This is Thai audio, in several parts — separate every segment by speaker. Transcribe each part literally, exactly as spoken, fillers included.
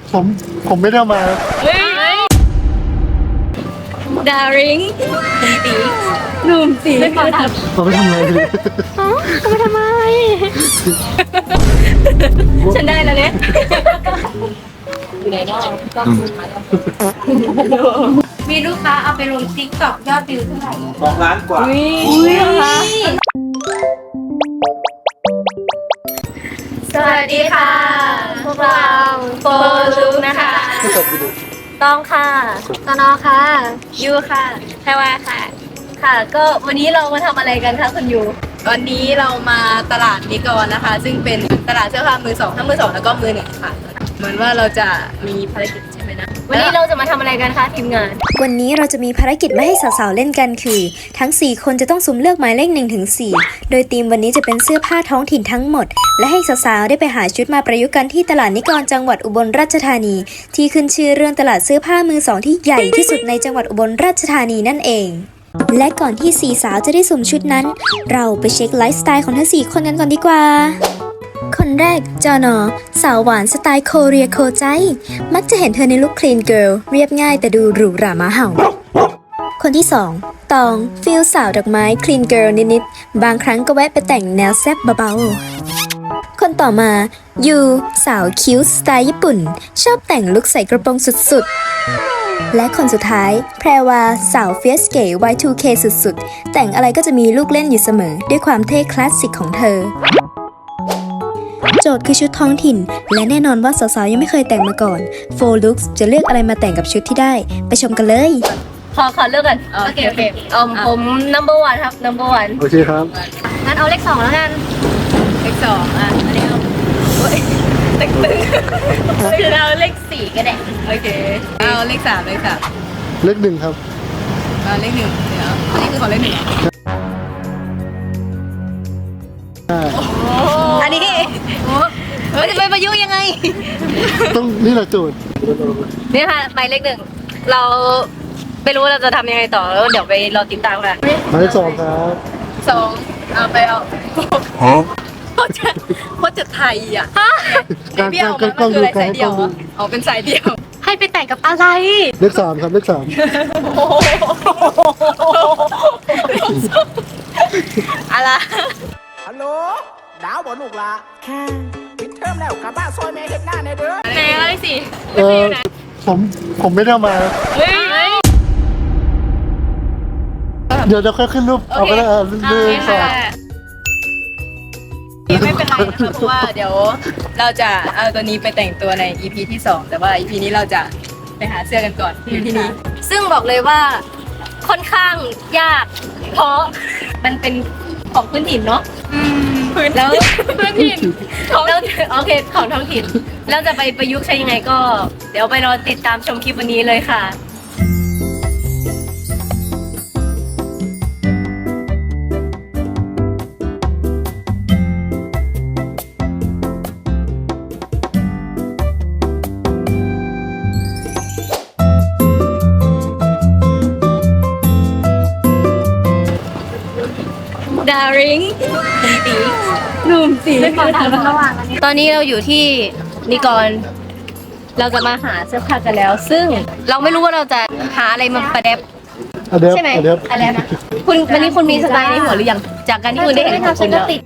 Speaker 1: ผมผมไม่ได้มา
Speaker 2: ดาริงตีหนุ่มตีค่ะ
Speaker 1: ผมไม่ทำอะไรเลย
Speaker 2: อ๋อก็ไม่ทำไมฉันได้แล้วเนี่ยอยู่ไหนเนาะมีลูกค้าเอาไปลงติ๊กต็อกยอดวิวเท่าไหร่
Speaker 3: สองล้านกว่า
Speaker 2: อุ้ยค่ะสวัสดีค่ะพวกเราโฟลุกนะคะต้องค่ะตนอค่ะยูค่ะแพรวาค่ะค่ะก็วันนี้เรามาทำอะไรกันคะคุณยูวันนี้เรามาตลาดนิกรนะคะซึ่งเป็นตลาดเสื้อผ้ามือสองทั้งมือสองแล้วก็มือหนึ่งค่ะเหมือนว่าเราจะมีภารกิจใช่ไหมนะวันนี้เราจะมาทำอะไรกันคะทีมงาน
Speaker 4: วันนี้เราจะมีภารกิจมาให้สาวๆเล่นกันคือทั้งสี่คนจะต้องสุ่มเลือกหมายเลขหนึ่งถึงสี่โดยธีมวันนี้จะเป็นเสื้อผ้าท้องถิ่นทั้งหมดและให้สาวๆได้ไปหาชุดมาประยุกต์กันที่ตลาดนิกรจังหวัดอุบลราชธานีที่ขึ้นชื่อเรื่องตลาดเสื้อผ้ามือสองที่ใหญ่ที่สุดในจังหวัดอุบลราชธานีนั่นเองและก่อนที่สี่สาวจะได้สุ่มชุดนั้นเราไปเช็คไลฟ์สไตล์ของทั้งสี่คนกันก่อนดีกว่าคนแรกจอนอสาวหวานสไตล์โคเรียโคใจมักจะเห็นเธอในลุคคลีนเกิร์ลเรียบง่ายแต่ดูหรูหรามาเห่าคนที่สองตองฟิลสาวดอกไม้คลีนเกิร์ลนิดๆบางครั้งก็แวะไปแต่งแนวแซ่บเบาๆคนต่อมายูสาวคิ้วสไตล์ญี่ปุ่นชอบแต่งลุคใส่กระโปรงสุดๆและคนสุดท้ายแพรวาสาวเฟียสเก๋ วาย ทู เค สุดๆแต่งอะไรก็จะมีลูกเล่นอยู่เสมอด้วยความเท่คลาสสิกของเธอโจทย์คือชุดท้องถิ่นและแน่นอนว่าสาวๆยังไม่เคยแต่งมาก่อนโฟลุกจะเลือกอะไรมาแต่งกับชุดที่ได้ไปชมกันเลย
Speaker 2: ขอขอเลือกกันโอเคโอเคอืมผม number one ครับ number one
Speaker 1: โอเคครับ
Speaker 2: งั้นเอาเลขสองแล้วกันเลขสองอ่ะอันนี้เอาโอ้ยตึงตึงคือเอาเลขสี่ก็ได้โอเคเอาเลขสามเลขสาม
Speaker 1: เลขหนึ่งครับ
Speaker 2: เอาเลขหนึ่งเดี๋ยวอันนี้คือของเลขหนึ่งอันนี้โอ้เฮ้ยจะไปประยุกต์ยังไง
Speaker 1: ต้องนี่แหละโจทย์
Speaker 2: นี่ค่ะหมายเลขหนึ่งเราไม่รู้ว่าเราจะทำยังไงต่อแล้วเดี๋ยวไปรอติดตามกัน
Speaker 1: หมายเลขสองครับ
Speaker 2: สองเอาไปเอาเพราะจะเพราะจะไทยอ่ะเบี้ยวมันก็คืออะไรสายเดียวอ๋อเป็นสายเดียวให้ไปแต่งกับอะไร
Speaker 1: เลขสามครับเลขสาม
Speaker 2: อะไร
Speaker 3: ฮัลโหลดาวบอลูกละค่ะปิดเทอมแล้วกลับบ้านซอยแม่เห็นหน้าในเด้อ
Speaker 2: แม่อะไรสิ
Speaker 1: เออผมผมไม่ได้มา
Speaker 2: เฮ้ย
Speaker 1: เดี๋ยวจะค่อยขึ้นรูปเอาไปแล้วเรื่องสอง
Speaker 2: ไม่เป็นไรนะคะเพราะว่าเดี๋ยวเราจะเอาตัวนี้ไปแต่งตัวใน อี พี ที่สองแต่ว่า อี พี นี้เราจะไปหาเสื้อกันก่อนที่ที่นี้ซึ่งบอกเลยว่าค่อนข้างยากเพราะมันเป็นของพื้นถิ่นเนาะแล้วพื้นถิ่นแล้วโอเคของท้องถิ่นเราจะไปประยุกต์ใช้ยังไงก็เดี๋ยวไปรอติดตามชมคลิปวันนี้เลยค่ะดาริงตีหนุ่มตีตอนนี้เราอยู่ที่นิกรเราจะมาหาเสื้อผ้ากันแล้วซึ่งเราไม่รู้ว่าเราจะหาอะไรมาประดับใช่ไหมอะไรนะคุณวันนี้คุณมีสไตล์ในหัวหรือยังจากการที่คุณได้เห็นของคุณแล้ว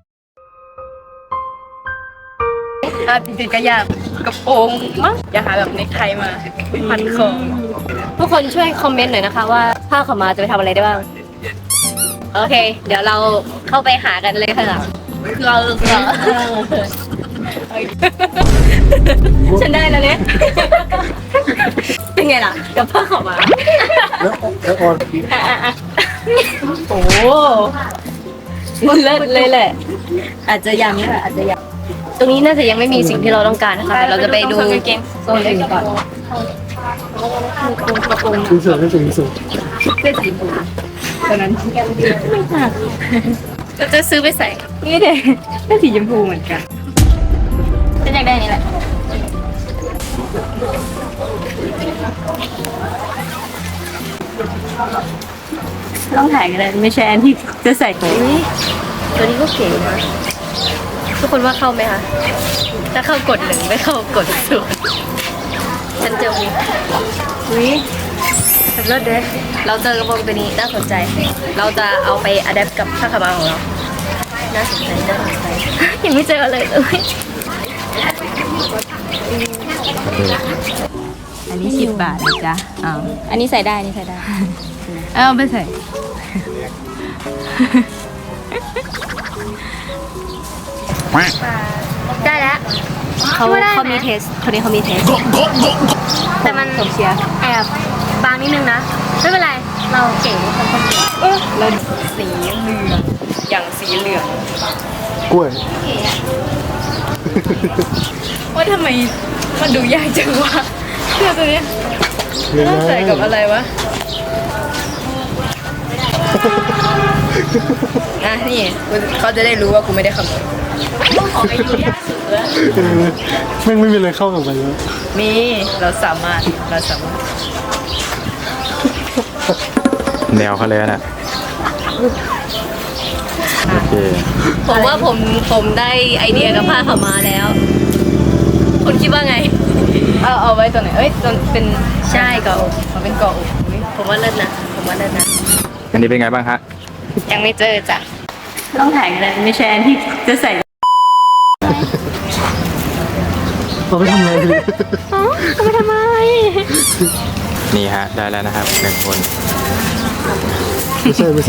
Speaker 2: อ่ะติดกระยาบกระโปรงมั้งอย่าหาแบบเนคไทมาพันคอทุกคนช่วยคอมเมนต์หน่อยนะคะว่าผ้าขาวม้าจะไปทำอะไรได้บ้างโอเคเดี๋ยวเราเข้าไปหากันเลยค่ะเราเราฉันได้แล้วเนี่ยเป็นไงล่ะกับผ้าขาวม้า
Speaker 1: แล้วแล้วออน
Speaker 2: โอ้มันเลิศเลยแหละอาจจะยังค่ะอาจจะยังตรงนี้น่าจะยังไม่มีสิ่งที่เราต้องการนะคะเราจะไปดูโซนอื่นก่อน
Speaker 1: ดูเสือให้สูงสูง
Speaker 2: เสื้อสีฟ้าตอนนั้นไม่หนักเราจะซื้อไปใส่นี่เด็กเสื้อสีชมพูเหมือนกันฉันอยากได้นี่แหละต้องถ่ายกันเลยไม่ใช่อันที่จะใส่ตัวนี้ตัวนี้ก็เก๋นะทุกคนว่าเข้าไหมคะถ้าเข้ากดหนึ่งไม่เข้ากดศูนย์ฉันเจอวิวิเลิศเด้เราเจอกระโปรงตัวนี้น่าสนใจ เราจะเอาไปอัดแอปกับผ้าขาวม้าของเรา น่าสนใจน่าสนใจยังไม่เจอเลยเลยอันนี้สิบบาทนะจ๊ะอ้าวอันนี้ใส่ได้อันนี้ใส่ได้เอาไปใส่ได้แล้วเขาเขามีเทสคนนี้เขามีเทสแต่มันผมเชียร์แอบบางนิดนึงนะไม่เป็นไรเราเก่งคนคนเดียวเราสีเหลืองอย่างสีเหลือง
Speaker 1: กล้วย
Speaker 2: ว่าทำไมมันดูยากจังวะเสื้อตัวเนี้ยต้องใส่กับอะไรวะอ่ะนี่เขาจะได้รู้ว่ากูไม่ได้ขโมยต้องขอไปดูยากสุดเลย
Speaker 1: เออแม่งไม่มีอะไรเข้ากับมันเลย
Speaker 2: มีเราสามารถเราสามารถ
Speaker 5: แนวเขาเลยนะโอเค
Speaker 2: ผมว่าผมผมได้ไอเดียกับผ้าขาวม้าแล้ว คุณคิดว่าไง เอาเอาไว้ตัวไหนเอ้ยตัวเป็นใช่เกาะอกมันเป็นเกาะอกอุ๊ยผมว่าเลิศนะผมว่าเลิศนะ
Speaker 5: อันนี้เป็นไงบ้างฮะ
Speaker 2: ยังไม่เจอจ้ะต้องถ่ายกันไม่ใช่อันที่จะใส่
Speaker 1: เราไปทำอะไรเลย
Speaker 2: ก็ไม่ทำไม
Speaker 5: นี่ฮะ ได้แล้วนะครับหนึ่งคน
Speaker 1: ไม่ใช่ไม่ใช่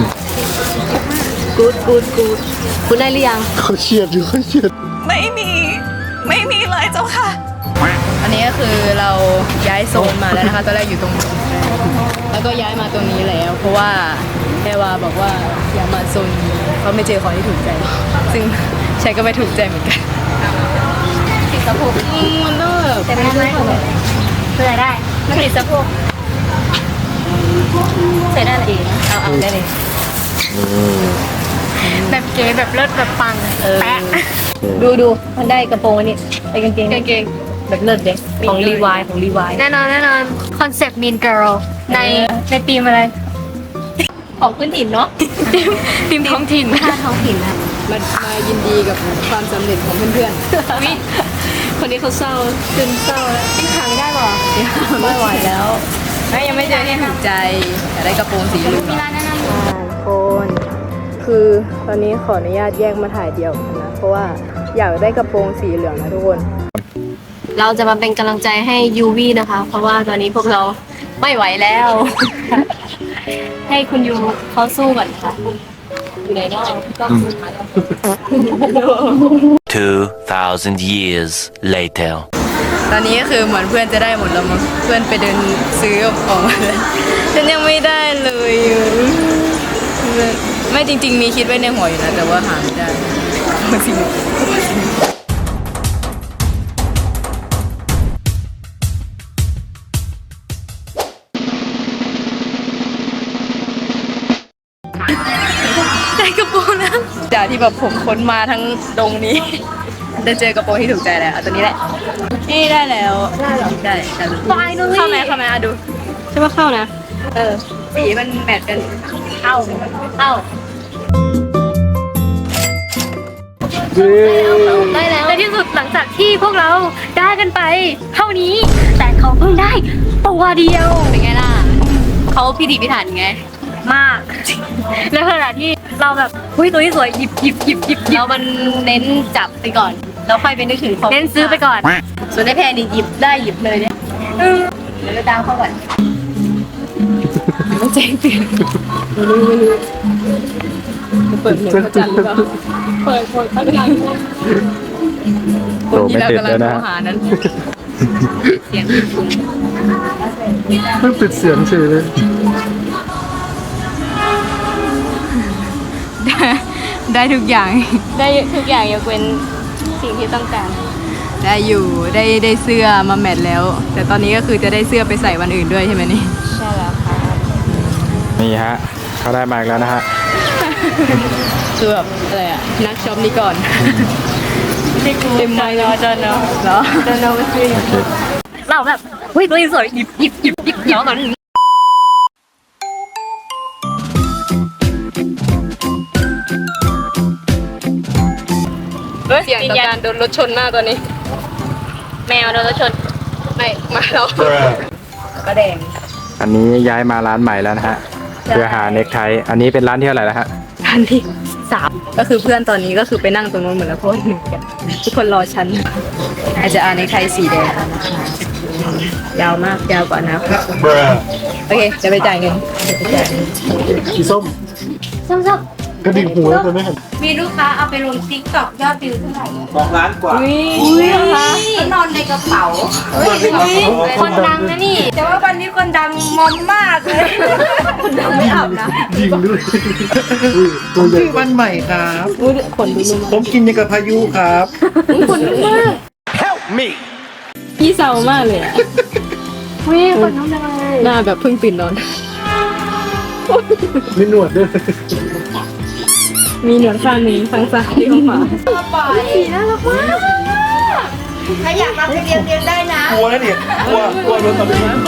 Speaker 2: กูดกูดกูดคุณได้หรือยัง
Speaker 1: เขาเชียดอยู่เขาเชียด
Speaker 6: ไม่มี ไม่มีเลยเจ้าค่ะ
Speaker 2: อันนี้ก็คือเราย้ายโซนมาแล้วนะคะตอนแรกอยู่ตรงนี้แล้วก็ย้ายมาตรงนี้แล้ว เพราะว่าแม่วาบอกว่าอย่ามาโซนนี้เขาไม่เจอของที่ถูกใจ ซึ่งฉันก็ไม่ถูกใจเหมือนกันติดสะโพกมันต้องแบบแต่ไม่ได้ใส่ได้มันติดสะโพกใส่ได้เลยเอาเอาได้เลย แบบเก๋แบบเลิศแบบปังแปะดูดูมันได้กระโปรงอันนี้ไอ้กางเกงกางเกงแบบเลิศเด็กของรีวายของรีวายแน่นอนแน่นอนคอนเซ็ปต์ Mean Girl ในในธีมอะไร ของพื้นถิ่นเนาะธีมธีมท้องถิ่นค่าท้องถิ่นนะมามายินดีกับความสำเร็จของเพื่อนๆวิคนนี้เขาเศร้าซึมเศร้าแล้วยังหาไม่ได้หรอไม่ไหวแล้วไม่ยังไม่เจอที่ถูกใจอยากได้กระโปรงสีเหลืองมีร้านแนะนำคนคือตอนนี้ขออนุญาตแยกมาถ่ายเดียวกันนะเพราะว่าอยากได้กระโปรงสีเหลืองนะทุกคน เราจะมาเป็นกำลังใจให้ยูวี่นะคะ เพราะว่าตอนนี้พวกเราไม่ไหวแล้ว ให้คุณยูเขาสู้ก่อนค่ะอยู่ไหนเนาะก็สู้มาแล้ว
Speaker 7: Two thousand years later.
Speaker 2: ตอนนี้ก็คือเหมือนเพื่อนจะได้หมดแล้วมั้งเพื่อนไปเดินซื้อออกมาแล้วฉันยังไม่ได้เลยไม่จริงๆมีคิดไว้ในหัวอยู่นะแต่ว่าหาไม่ได้จริงได้กระโปรงนะจากที่แบบผมค้นมาทั้งดงนี้ได้เจอกระโปรงที่ถูกใจแล้วเอาตัวนี้แหละนี่ได้แล้วได้หรอได้ได้เข้าไหมเข้าไหมอ่ะดูใช่ว่าเข้านะเออสีมันแมทกันเข้าเข้าได้แล้วในที่สุดหลังจากที่พวกเราได้กันไปเท่านี้แต่เขาเพิ่งได้ตัวเดียวเป็นไงล่ะเขาพิถีพิถันไงมากในขณะที่เราแบบเฮ้ยตัวที่สวยหยิบหยิบหยิบหยิบแล้วมันเน้นจับไปก่อนแล้วค่อยไปนึกถึงเน้นซื้อไปก่อนส่วนในแพนนี่หยิบได้หยิบเลยเนี่ยเดี๋ยวเราตามเข้าก่อนต้องแจ้งเตือนไม่รู้ไม่รู้เปิดเหมือนเขาจัดหรือเปล่าเปิดเปิดเขาจัดคนที่เรากำลังโทรหานั้นเสียงคุณ
Speaker 1: ไม่ปิดเสียงเฉยเลย
Speaker 2: ได้ทุกอย่างได้ทุกอย่างยกเว้นสิ่งที่ต้องการได้อยู่ได้ได้เสื้อมาแมทแล้ว แต่ตอนนี้ก็คือจะได้เสื้อไปใส่วันอื่นด้วยใช่ไหมนี่ใช่แล้วค่ะ
Speaker 5: นี่ฮะ เขาได้มาอีกแล้วนะฮะ
Speaker 2: คือแบบอะไรอะนักช็อปนี่ก่อนเต็มไม้เนาะจอนเนาะเหรอจอนเนาะไม่ซื้อเราแบบเฮ้ยตัวนี้สวยหยิบหยิบหยิบหยิบหยิบก่อนเสียงต่อการโดนรถชนมากตอนนี้แมวโดนรถชนไม่มาแล้วก็แดง
Speaker 5: อันนี้ย้ายมาร้านใหม่แล้วนะฮะ
Speaker 2: ใช่
Speaker 5: เพื่อหาเน็กไท อันนี้เป็นร้านที่เท่าไหร่แล้วฮะ
Speaker 2: อันที่สามก็คือเพื่อนตอนนี้ก็คือไปนั่งตรงนู้นเหมือนแล้วเพราะว่าหนึ่งกันทุกคนรอฉันอาจจะอ่านในไทยสีแดงยาวมากยาวกว่านะโอเคจะไปจ่ายเงินจะไปจ่ายเงิน
Speaker 1: สีส้ม
Speaker 2: ส้ม
Speaker 1: กระดิ่งหูแล้วตัวไม่เห็น
Speaker 2: ๆมีลูกค้าเอาไปลงติ๊กต็อกยอดวิวเท่าไหร่
Speaker 8: สองล้านกว่า
Speaker 2: อุ้ยนะคะก็นอนในกระเป๋าคนดังนะนี่ แต่ว่าวันนี้คนดังมอมมากเลยคนดังไม่อาบนะ
Speaker 1: ยิงด้วยอุ้ยตัวใหญ่
Speaker 8: ชื่อวันใหม่ครับ
Speaker 2: อุ้ยขนดูนุ่ม
Speaker 8: ผมกินยังกับพายุครับ
Speaker 2: ขนนุ่มมาก
Speaker 7: Help me!
Speaker 2: พี่เศร้ามากเลยอ่ะอุ้ยขนนุ่มจังเลยหน้าแบบเพิ่งตื่นนอน
Speaker 1: มีหนวดด้วย
Speaker 2: มีหนวดข้างหนึ่งข้างซ้ายที่ข้างขวาปล่อยน่ารักมากถ้าอยากมาไปเรียนเรียนได้นะ
Speaker 8: กลัวนะเนี่ยกลัวกลัวโดนตบเอา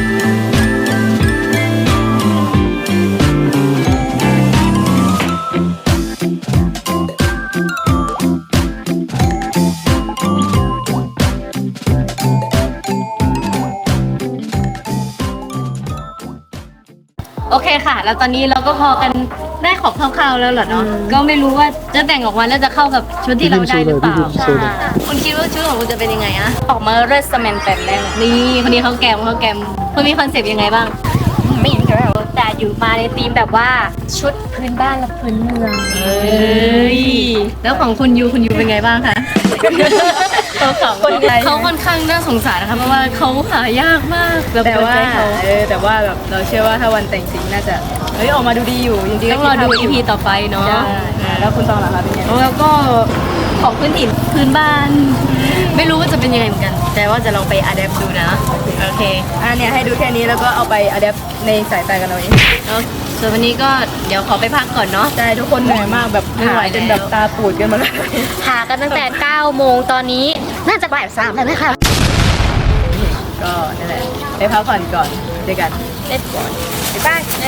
Speaker 2: โอเคค่ะ แล้วตอนนี้เราก็พอกันได้ของคร่าวๆแล้วเหรอเนาะ ก็ไม่รู้ว่าจะแต่งออกมาแล้วจะเข้ากับชุดที่เราได้หรือเปล่า
Speaker 1: ใช่
Speaker 2: คุณคิดว่าชุดของคุณจะเป็นยังไงอะออกมาเรสแมนแปมแน่เลยนี่คนนี้เขาแกมเขาแกมคุณมีคอนเซปต์ยังไงบ้าง ไม่เห็นแล้วแต่อยู่มาในธีมแบบว่าชุดพื้นบ้านและพื้นเมืองเอ้ยแล้วของคุณยูคุณยูเป็นไงบ้างคะเขาเขาค่อนข้างน่าสงสารนะคะเพราะว่าเขาหายากมากแต่ว่าเออแต่ว่าแบบเราเชื่อว่าถ้าวันแต่งจริงน่าจะเฮ้ยออกมาดูดีอยู่จริงๆต้องรอดู อี พี ต่อไปเนาะแล้วคุณตองล่ะคะเป็นไงแล้วก็ของพื้นถิ่นพื้นบ้าน ไม่รู้ว่าจะเป็นยังไงเหมือนกัน แต่ว่าจะลองไปอะแดปดูนะโอเคอ่ะเนี่ยให้ดูแค่นี้แล้วก็เอาไปอะแดปในสายตากันเอาเองส่วนวันนี้ก็เดี๋ยวขอไปพักก่อนเนาะใช่ทุกคนเหนื่อยมากแบบไม่ไหวจนแบบตาปูดกันมาแล้ว
Speaker 9: หากันตั้งแต่เก้าโมงตอนนี้น่าจะบ่ายสามแล้วนะคะ
Speaker 2: ก็นั่นแหละไปพักผ่อนก่อนเจอกัน
Speaker 9: เล็ดก่อน
Speaker 2: บ๊ายบาย